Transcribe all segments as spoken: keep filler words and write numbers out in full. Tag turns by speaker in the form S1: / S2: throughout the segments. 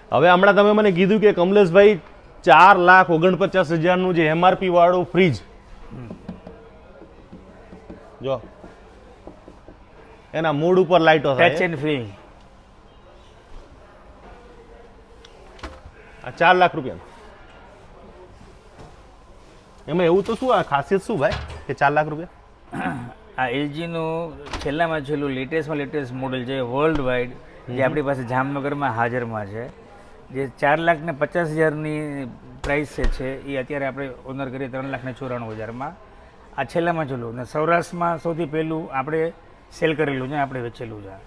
S1: હવે હમણાં તમે મને કીધું કે કમલેશભાઈ ચાર લાખ ઓગણપચાસ હજારનું જે એમઆરપી વાળું ફ્રીજ જો એના મૂડ ઉપર લાઈટો
S2: ટચ
S1: થાય
S2: એન્ડ ફીલ.
S1: આ ચાર લાખ રૂપિયા એમાં એવું તો શું આ ખાસિયત શું ભાઈ કે ચાર લાખ રૂપિયા?
S2: આ એલજીનું છેલ્લામાં છેલ્લું લેટેસ્ટમાં લેટેસ્ટ મોડેલ છે વર્લ્ડ વાઇડ, જે આપણી પાસે જામનગરમાં હાજરમાં છે, જે ચાર લાખ ને પચાસ હજારની પ્રાઇસ છે એ અત્યારે આપણે ઓનર કરીએ ત્રણ લાખ ને ચોરાણું હજારમાં. આ છેલ્લામાં છેલ્લું ને સૌરાષ્ટ્રમાં સૌથી પહેલું આપણે સેલ કરેલું છે, આપણે વેચેલું છે.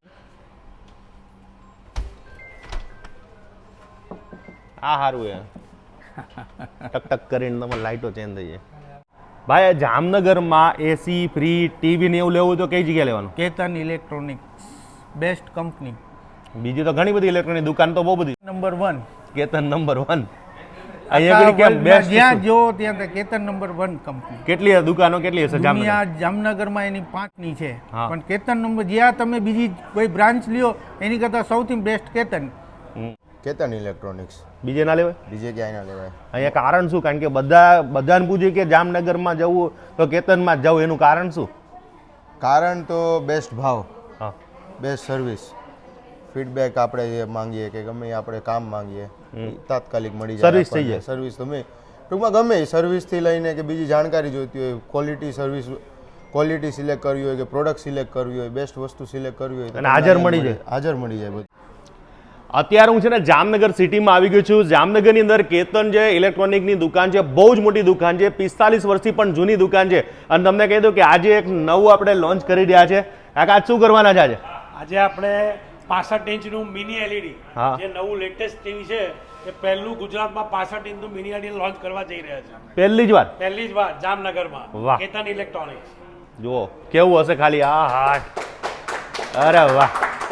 S1: આ સારું એ ટક ટક કરીને તમારે લાઈટો ચેન્જ થઈ જાય. ભાઈ જામનગરમાં એસી ફ્રી ટીવી ને એવું લેવું તો કઈ જગ્યાએ લેવાનું?
S3: કેતન ઇલેક્ટ્રોનિક્સ બેસ્ટ કંપની,
S1: બીજી તો ઘણી બધી ઇલેક્ટ્રોનિક દુકાન તો બહુ બધી.
S3: Number one.
S1: Ketan number one. અહીંયા આગળ કેમ બેસ્ટ?
S3: જ્યાં જો ત્યાં તે કેતન નંબર વન કંપની.
S1: કેટલી દુકાનો કેટલી હશે જામનગર?
S3: દુનિયા જામનગરમાં એની પાંચની છે,
S1: હા.
S3: પણ કેતન નંબર જ્યાં તમે બીજી કોઈ બ્રાન્ચ લ્યો એની કરતાં સૌથી બેસ્ટ કેતન.
S4: કેતન ઇલેક્ટ્રોનિક્સ.
S1: બીજે ના લેવાય?
S4: બીજે ક્યાંય ના લેવાય.
S1: અહીંયા કારણ શું? કારણ કે બધા બધાને પૂછે કે જામનગરમાં જવું તો કેતનમાં જ જવું, એનું કારણ શું?
S4: કારણ તો બેસ્ટ ભાવ,
S1: હા
S4: બેસ્ટ સર્વિસ, ફીડબેક આપણે જે માંગીએ કે ગમે એ આપણે કામ માંગીએ એ તાત્કાલિક મળી જાય.
S1: સર્વિસ થઈ જાય.
S4: સર્વિસ તમે ટૂંકમાં ગમે એ સર્વિસથી લઈને કે બીજી જાણકારી જોઈતી હોય, ક્વોલિટી સર્વિસ, ક્વોલિટી સિલેક્ટ કરવી હોય કે પ્રોડક્ટ સિલેક્ટ કરવી હોય, બેસ્ટ વસ્તુ સિલેક્ટ કરવી હોય તો
S1: અને હાજર મળી જાય.
S4: હાજર મળી જાય બધું.
S1: અત્યારે હું છે ને જામનગર સિટીમાં આવી ગયો છું. જામનગરની અંદર કેતન જે ઇલેક્ટ્રોનિકની દુકાન છે, બહુ જ મોટી દુકાન છે, પિસ્તાલીસ વર્ષથી પણ જૂની દુકાન છે. અને તમને કહી દઉં કે આજે એક નવું આપણે લોન્ચ કરી રહ્યા છે. કાકા આજ શું કરવાના છે? આજે
S5: આજે આપણે પાસઠ ઇંચનું મિની એલઈડી,
S1: હા.
S5: જે નવું લેટેસ્ટ ટીવી છે, એ પહેલું ગુજરાતમાં પાસઠ ઇંચનું મિની એલઈડી લોન્ચ કરવા જઈ રહ્યા છે.
S1: પહેલી જ વાર
S5: પહેલી જ વાર જામનગરમાં
S1: વાહ.
S5: કેતન ઇલેક્ટ્રોનિક્સ.
S1: જુઓ કેવું હશે ખાલી. આ હા, અરે વાહ.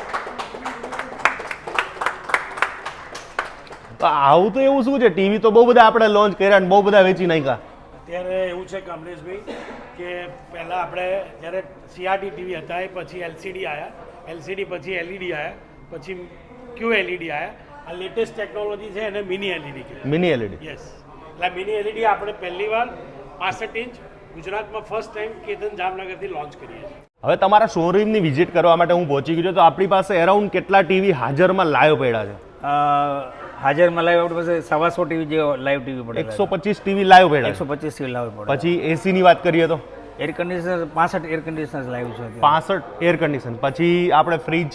S1: તો આવું તો એવું શું છે? ટીવી તો બહુ બધા આપણે લોન્ચ કર્યા અને બહુ બધા વેચી નાખ્યા.
S5: અત્યારે એવું છે કમલેશભાઈ કે પહેલાં આપણે જ્યારે સીઆરટી ટીવી હતા, એ પછી એલસીડી આવ્યા, એલસીડી પછી એલઈડી આવ્યા, પછી ક્યુ એલઈડી આવ્યા. આ લેટેસ્ટ ટેકનોલોજી છે એને મિની એલઈડી કહેવાય.
S1: Mini LED.
S5: યસ, એટલે મિની એલઈડી આપણે પહેલી વાર પાસઠ ઇંચ ગુજરાતમાં ફર્સ્ટ ટાઈમ કેતન જામનગરથી લોન્ચ કરીએ છીએ.
S1: હવે તમારા શોરૂમની વિઝિટ કરવા માટે હું પહોંચી ગયો છું. તો આપણી પાસે અરાઉન્ડ કેટલા ટીવી હાજરમાં લાઈવ પડ્યા છે?
S2: અ, હાજરમાં લાઈવ આપણી પાસે સવાસો ટીવી જે લાઈવ ટીવી પડે,
S1: એકસો પચીસ ટીવી લાઈવ પડ્યા
S2: એકસો
S1: છે.
S2: પચીસ ટીવી લાઈવ પડે.
S1: પછી એસી ની વાત કરીએ તો
S2: એર કન્ડિશનર પાસઠ એર કન્ડિશનર લાઈવ છે અત્યારે.
S1: પાસઠ એર કન્ડિશન. પછી આપણે ફ્રીજ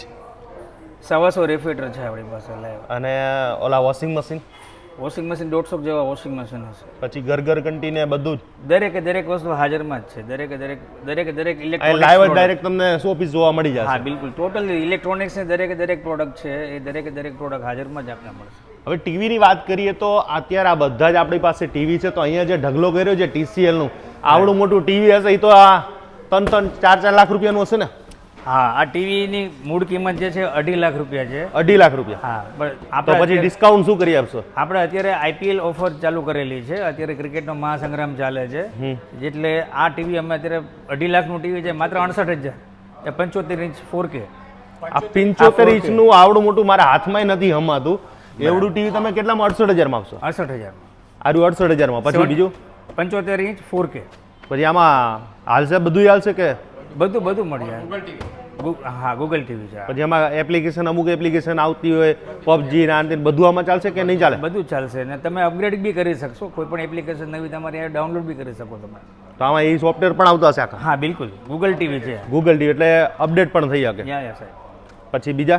S2: સવાસો રેફ્રિજરેટર છે આપણી પાસે લાઈવ.
S1: અને ઓલા વોશિંગ મશીન,
S2: વોશિંગ મશીન દોઢસો જેવા વોશિંગ મશીન હશે.
S1: પછી ઘર ઘર ઘંટી ને બધું જ
S2: દરેકે દરેક વસ્તુ હાજરમાં જ છે. દરેકે દરેક દરેકે દરેક
S1: લાઈવ જ
S2: ઇલેક્ટ્રોનિક્સ.
S1: ડાયરેક્ટ તમને સો પીસ જોવા મળી
S2: હા
S1: જશે.
S2: બિલકુલ, ટોટલ ઇલેક્ટ્રોનિક્સ ની દરેકે દરેક પ્રોડક્ટ છે, એ દરેકે દરેક પ્રોડક્ટ હાજરમાં જ આપને મળશે.
S1: હવે ટીવીની વાત કરીએ તો અત્યારે આ બધા જ આપણી પાસે ટીવી છે. તો અહીંયા જે ઢગલો કર્યો છે ટીસીએલ નું, આવડું મોટું ટીવી હશે, એ તો આ ત્રણ ત્રણ ચાર ચાર લાખ રૂપિયાનું હશે ને?
S2: હા, આ ટીવીની મૂળ કિંમત જે છે અઢી લાખ રૂપિયા છે.
S1: અઢી લાખ રૂપિયા.
S2: હા, પણ
S1: તો
S2: આપણે
S1: પછી
S2: અત્યારે-
S1: ડિસ્કાઉન્ટ શું કરી આપશો?
S2: આપણે અત્યારે આઈપીએલ ઓફર ચાલુ કરેલી છે. અત્યારે ક્રિકેટનો મહાસંગ્રામ ચાલે છે, એટલે આ ટીવી અમે અત્યારે અઢી લાખનું ટીવી છે માત્ર અડસઠ હજાર એ પંચોતેર ઇંચ ફોર કે.
S1: આ પંચોતેર ઇંચનું આવડું મોટું મારા હાથમાં નથી હમાતું. એવડું ટીવી તમે કેટલામાં? અડસઠ હજારમાં આપશો?
S2: અડસઠ હજાર
S1: આરું અડસઠ હજારમાં. પછી બીજું
S2: પંચોતેર ઇંચ ફોર કે.
S1: પછી આમાં હાલશે બધું હાલશે કે?
S2: બધું બધું મળી જાય. ગુ- હા, ગૂગલ ટીવી છે.
S1: પછી આમાં એપ્લિકેશન, અમુક એપ્લિકેશન આવતી હોય પબજી ના અંતે, બધું આમાં ચાલશે કે નહીં ચાલે?
S2: બધું ચાલશે ને તમે અપગ્રેડ બી કરી શકશો. કોઈ પણ એપ્લિકેશન નવી તમારી ડાઉનલોડ બી કરી શકો તમે.
S1: તો આમાં એ સોફ્ટવેર પણ આવતા હશે આખા?
S2: હા બિલકુલ, ગૂગલ ટીવી છે.
S1: ગૂગલ ટીવી એટલે અપડેટ પણ થઈ શકે.
S2: યા યા સાહેબ.
S1: પછી બીજા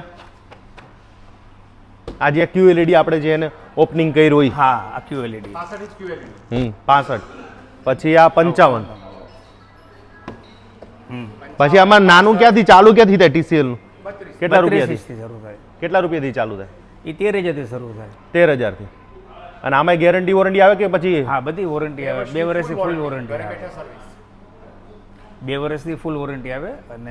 S1: આ જે ક્યુએલઈડી આપણે જે એને ઓપનિંગ કર્યું હોય,
S2: હા, આ ક્યુએલઈડી
S1: હમ પાસઠ. પછી આ પંચાવન. પછી આમાં નાનું ક્યાંથી ચાલુ ક્યાંથી થાય ટીસીએલ નું? કેટલા રૂપિયાથી?
S2: થી શરૂ થાય.
S1: કેટલા રૂપિયાથી ચાલુ થાય?
S2: એ તેર હજારથી શરૂ થાય.
S1: તેર હજારથી. અને આમાં ગેરંટી વોરંટી આવે કે પછી?
S2: હા, બધી વોરંટી આવે. બે વર્ષની ફૂલ વોરંટી આવે. બે વર્ષની ફૂલ વોરંટી આવે અને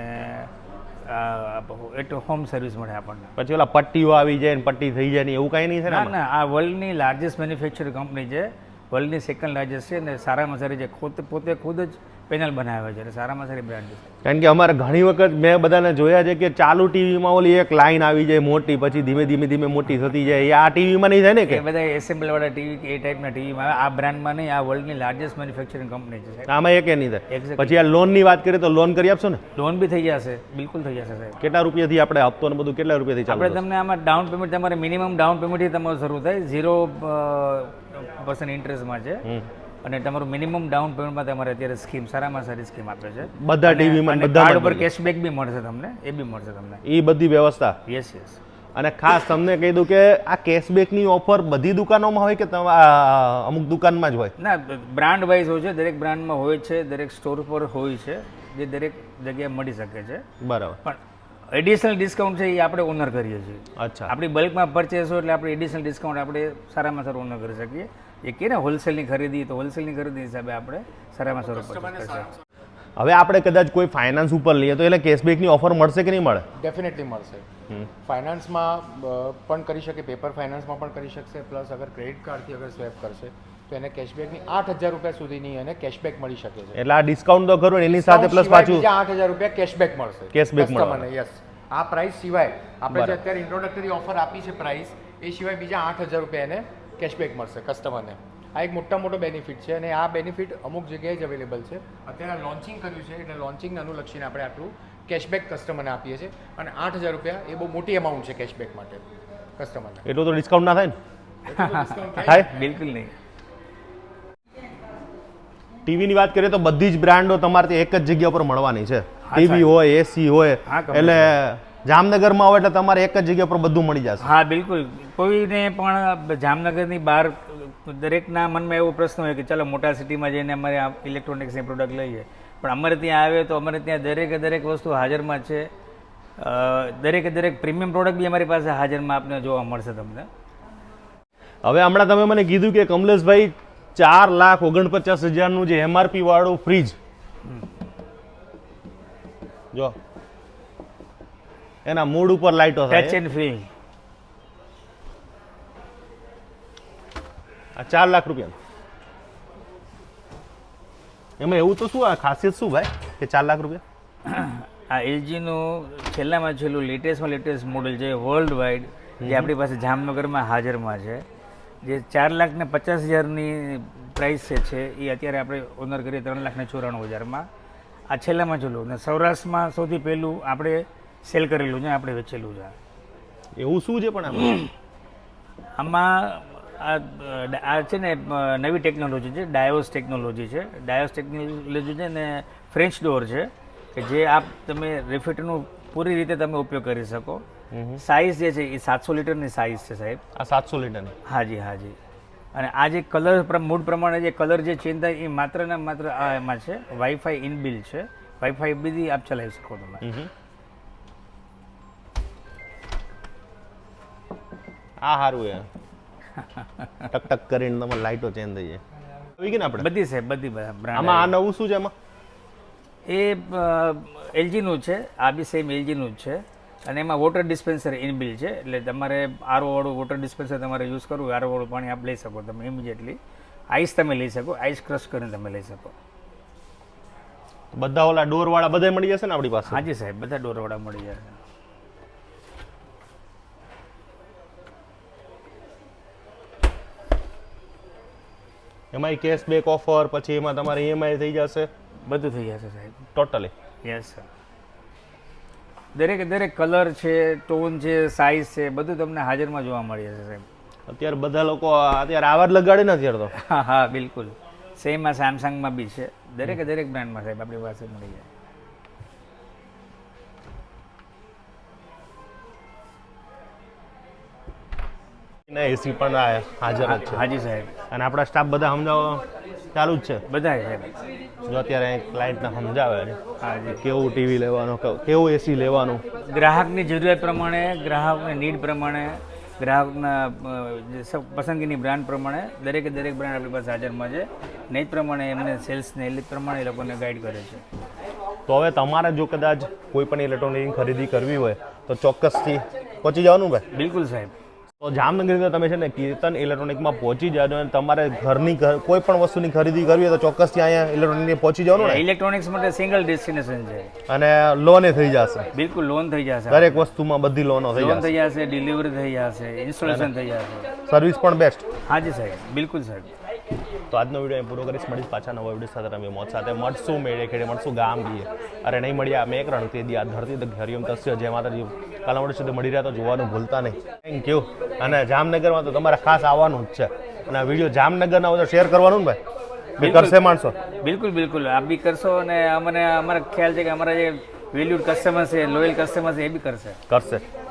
S2: એટલે હોમ સર્વિસ મળે આપણને.
S1: પછી ઓલા પટ્ટીઓ આવી જાય ને પટ્ટી થઈ જાય ને એવું કાંઈ નહીં છે ને
S2: ના
S1: આમાં?
S2: ના, આ વર્લ્ડની લાર્જેસ્ટ મેન્યુફેક્ચર કંપની છે, વર્લ્ડની સેકન્ડ લાર્જેસ્ટ છે, અને સારામાં સારી છે. પોતે પોતે ખુદ જ પેનલ બનાવ્યા છે એટલે સારામાં સારી બ્રાન્ડ છે.
S1: કારણ કે અમારે ઘણી વખત મેં બધાને જોયા છે કે ચાલુ ટીવીમાં ઓલી એક લાઈન આવી જાય મોટી, પછી ધીમે ધીમે ધીમે મોટી થતી જાય. એ આ ટીવીમાં નહીં થાય ને
S2: એ
S1: કે
S2: બધા એસેમ્બલ વાળા ટીવી કે એ ટાઈપના ટીવીમાં આવે. આ બ્રાન્ડમાં નહીં, આ વર્લ્ડની લાર્જેસ્ટ મેન્યુફેક્ચરિંગ કંપની છે સાહેબ.
S1: આમાં એક નહીં થાય.
S2: Exactly.
S1: પછી આ લોનની વાત કરીએ તો લોન કરી આપશો ને?
S2: લોન બી થઈ જશે, બિલકુલ થઈ જશે સાહેબ.
S1: કેટલા રૂપિયાથી આપણે હપ્તો ને બધું કેટલા રૂપિયાથી ચાલુ
S2: આપણે તમને આમાં ડાઉન પેમેન્ટ તમારે મિનિમમ ડાઉન પેમેન્ટથી તમારું શરૂ થાય, ઝીરો પર્સન્ટ ઇન્ટરેસ્ટમાં છે.
S1: હમ.
S2: અને તમારું મિનિમમ ડાઉન પેમેન્ટમાં તમારે અત્યારે સ્કીમ સારામાં સારી સ્કીમ આપે છે.
S1: બધા ટીવીમાં
S2: અને
S1: બધા
S2: કાર્ડ ઉપર કેશબેક બી મળશે તમને, એ બી મળશે તમને.
S1: એ બધી વ્યવસ્થા.
S2: Yes yes.
S1: અને ખાસ તમને કહી દઉં કે આ કેશબેકની ઓફર બધી દુકાનોમાં હોય કે તમા- આ અમુક દુકાનમાં જ હોય?
S2: ના, બ્રાન્ડ વાઇઝ હોય છે, દરેક બ્રાન્ડમાં હોય છે, દરેક સ્ટોર પર હોય છે, જે દરેક જગ્યાએ મળી શકે છે.
S1: બરાબર.
S2: પણ એડિશનલ ડિસ્કાઉન્ટ છે એ આપણે ઓનર કરીએ છીએ.
S1: અચ્છા.
S2: આપણી બલ્કમાં પરચેસ હોય એટલે આપણે એડિશનલ ડિસ્કાઉન્ટ આપણે સારામાં સારું ઓનર કરી શકીએ. એ કે ને હોલસેલની ખરીદી, તો હોલસેલની ખરીદી હિસાબે આપણે સારામાં સારું purchase કરી શકીએ.
S1: હવે આપણે કદાચ કોઈ ફાઇનાન્સ ઉપર લઈએ તો એટલે કેશબેકની ઓફર મળશે કે નહીં મળે?
S6: ડેફિનેટલી મળશે. ફાઇનાન્સમાં પણ કરી શકે, પેપર ફાઇનાન્સમાં પણ કરી શકશે, પ્લસ અગર ક્રેડિટ કાર્ડથી અગર સ્વેપ કરશે તો એને કેશબેકની આઠ હજાર રૂપિયા સુધીની એને કેશબેક મળી શકે છે.
S1: એટલે આ ડિસ્કાઉન્ટ તો ખરું ને, એની સાથે પ્લસ પાછું
S6: બીજા આઠ હજાર રૂપિયા કેશબેક મળશે.
S1: Cashback
S6: કસ્ટમરને. યસ. આ પ્રાઇસ સિવાય આપણે જે અત્યારે ઇન્ટ્રોડક્ટરી ઓફર આપી છે પ્રાઇસ, એ સિવાય બીજા આઠ હજાર રૂપિયા એને કેશબેક મળશે કસ્ટમરને. આ એક મોટા મોટો બેનિફિટ છે અને આ બેનિફિટ અમુક જગ્યાએ જ અવેલેબલ છે. અત્યારે લોન્ચિંગ કર્યું છે એટલે લોન્ચિંગને અનુલક્ષીને આપણે આટલું કેશબેક કસ્ટમરને આપીએ છીએ અને આઠ હજાર રૂપિયા એ બહુ મોટી અમાઉન્ટ છે કેશબેક માટે કસ્ટમરને.
S1: એટલું તો ડિસ્કાઉન્ટ ના થાય ને?
S6: ડિસ્કાઉન્ટ
S1: થાય?
S2: બિલકુલ નહીં.
S1: ટીવીની વાત કરીએ તો બધી જ બ્રાન્ડો તમારે ત્યાં એક જ જગ્યા પર મળવાની છે. ટીવી હોય, એસી હોય,
S2: હા, complete.
S1: એટલે જામનગરમાં હોય એટલે તમારે એક જ જગ્યા પર બધું મળી જશે.
S2: હા બિલકુલ. કોઈને પણ જામનગરની બહાર દરેકના મનમાં એવો પ્રશ્ન હોય કે ચાલો મોટા સિટીમાં જઈને અમારે આ ઇલેક્ટ્રોનિક્સની પ્રોડક્ટ લઈએ, પણ અમારે ત્યાં આવે તો અમારે ત્યાં દરેકે દરેક વસ્તુ હાજરમાં છે. અ, દરેકે દરેક પ્રીમિયમ પ્રોડક્ટ બી અમારી પાસે હાજરમાં આપને જોવા મળશે તમને.
S1: હવે હમણાં તમે મને કીધું કે કમલેશભાઈ ચાર લાખ ઓગણપચાસ હજારનું જે એમઆરપી વાળું ફ્રીજ, જો એના મૂડ ઉપર લાઈટો
S2: ટચ
S1: થાય,
S2: એન્ડ ફીલ.
S1: આ ચાર લાખ રૂપિયા. એમાં એવું તો શું, આ ખાસિયત શું ભાઈ કે ચાર લાખ રૂપિયા?
S2: આ એલજીનું છેલ્લામાં છેલ્લું લેટેસ્ટમાં લેટેસ્ટ મોડલ છે વર્લ્ડ વાઇડ, જે આપણી પાસે જામનગરમાં હાજરમાં છે, જે ચાર લાખ ને પચાસ હજારની પ્રાઇસ છે એ અત્યારે આપણે ઓનર કરીએ ત્રણ લાખ ને ચોરાણું હજારમાં. આ છેલ્લામાં છેલ્લું ને સૌરાષ્ટ્રમાં સૌથી પહેલું આપણે સેલ કરેલું છે, આપણે વેચેલું છે.
S1: એવું શું છે પણ આમાં?
S2: આમાં આ આ છે ને નવી ટેકનોલોજી છે, ડાયોસ ટેકનોલોજી છે. ડાયોસ ટેકનોલોજી છે ને ફ્રેન્ચ ડોર છે કે જે આપ તમે રિફિટનું પૂરી રીતે તમે ઉપયોગ કરી શકો. સાઇઝ જે છે એ સાતસો લીટરની સાઇઝ છે સાહેબ.
S1: આ સાતસો લીટરની?
S2: હાજી હાજી. અને આ જે કલર મૂડ પ્રમાણે જે કલર જે ચેન્જ થાય એ માત્ર ને માત્ર આ એમાં છે. વાઈફાઈ ઇનબિલ છે, વાઈફાઈ બી આપ ચલાવી શકો તમે.
S1: આ સારું એ ટક ટક કરીને તમારે લાઈટો ચેન્જ થઈ જાય. આવી ગઈ ને આપણે
S2: બધી સાહેબ, બધી બ્રાન્ડ.
S1: આમાં આ નવું શું છે એમાં?
S2: એ એલજીનું છે, આ બી સેમ એલજીનું જ છે. અને એમાં વોટર ડિસ્પેન્સર ઇનબિલ છે, એટલે તમારે આરો વાળું વોટર ડિસ્પેન્સર તમારે યુઝ કરવું, આરો વાળું પાણી આપ લઈ શકો તમે ઇમિડિયેટલી. આઈસ તમે લઈ શકો, આઈસ ક્રશ કરીને તમે લઈ શકો.
S1: બધા ઓલા ડોર વાળા બધા મળી જશે ને આપણી પાસે?
S2: હાજી સાહેબ, બધા ડોર વાળા મળી જશે.
S1: એમાં કેશબેક ઓફર, પછી એમાં તમારે ઈએમઆઈ થઈ જશે,
S2: બધું થઈ જશે સાહેબ
S1: ટોટલી.
S2: Yes sir. દરેકે દરેક કલર છે, ટોન છે, સાઇઝ છે, બધું તમને હાજરમાં જોવા મળી જશે સાહેબ.
S1: અત્યારે બધા લોકો અત્યારે આવા જ લગાડે ને અત્યારે તો.
S2: હા હા બિલકુલ. સેમ આ સેમસંગમાં બી છે, દરેકે દરેક બ્રાન્ડમાં સાહેબ આપણી પાસે મળી જાય.
S1: એસી પણ આ હાજર જ છે.
S2: હાજી સાહેબ.
S1: અને આપણા સ્ટાફ બધા સમજાવવા ચાલુ જ છે.
S2: બધા સાહેબ.
S1: જો અત્યારે ક્લાયન્ટને સમજાવે છે
S2: હાજી.
S1: કેવું ટીવી લેવાનું, કેવું એસી લેવાનું.
S2: ગ્રાહકની જરૂરિયાત પ્રમાણે, ગ્રાહકની નીડ પ્રમાણે, ગ્રાહકના અ, જે સ- પસંદગીની બ્રાન્ડ પ્રમાણે દરેકે દરેક બ્રાન્ડ આપણી પાસે હાજરમાં છે. ને એ જ પ્રમાણે એમને સેલ્સને એ પ્રમાણે એ લોકોને ગાઈડ કરે છે.
S1: તો હવે તમારે જો કદાચ કોઈ પણ ઇલેક્ટ્રોનિક ખરીદી કરવી હોય તો ચોક્કસથી પહોંચી જવાનું ભાઈ.
S2: બિલકુલ સાહેબ.
S1: તો તો જામનગરની અંદર તમે છે ને કીર્તન ઇલેક્ટ્રોનિકમાં પહોંચી જાજો અને તમારે ઘરની ઘર- કોઈ પણ વસ્તુની ખરીદી કરવી હોય તો ચોક્કસથી અહીંયા ઇલેક્ટ્રોનિકની પહોંચી જવાનું ને
S2: ઇલેક્ટ્રોનિક્સ માટે સિંગલ ડેસ્ટિનેશન છે.
S1: અને લોને થઈ જશે
S2: બિલકુલ લોન થઈ જશે,
S1: દરેક વસ્તુમાં બધી લોનો થઈ
S2: લોન
S1: જશે
S2: થઈ જશે, ડિલિવરી થઈ જશે, ઇન્સ્ટોલેશન થઈ જશે.
S1: સર્વિસ પણ બેસ્ટ.
S2: હાજી સાહેબ, બિલકુલ સાહેબ.
S1: તો આજનો વિડીયો અહીં પૂરો કરીશ. મળીશ પાછા નવા વિડીયો સાથે રમી મોજ સાથે. મળશું મેળે ખેડે, મળશું ગામ ગીએ. અરે નહીં મળ્યા મેં એક રણ તે દી આ ધરતી તક હરિયમ તસ્ય જય માતાજી. કાલા મળે સુધી મળી રહ્યા તો જોવાનું ભૂલતા નહીં. Thank you. અને જામનગરમાં તો તમારે ખાસ આવવાનું જ છે અને આ વિડીયો જામનગરના હોય તો શેર કરવાનું ને ભાઈ, બી કરશે માણસો.
S2: બિલકુલ બિલકુલ આપ બી કરશો અને અમને અમારા ખ્યાલ છે કે અમારા જે વેલ્યુડ કસ્ટમર છે, લોયલ કસ્ટમર છે એ બી કરશે.
S1: કરશે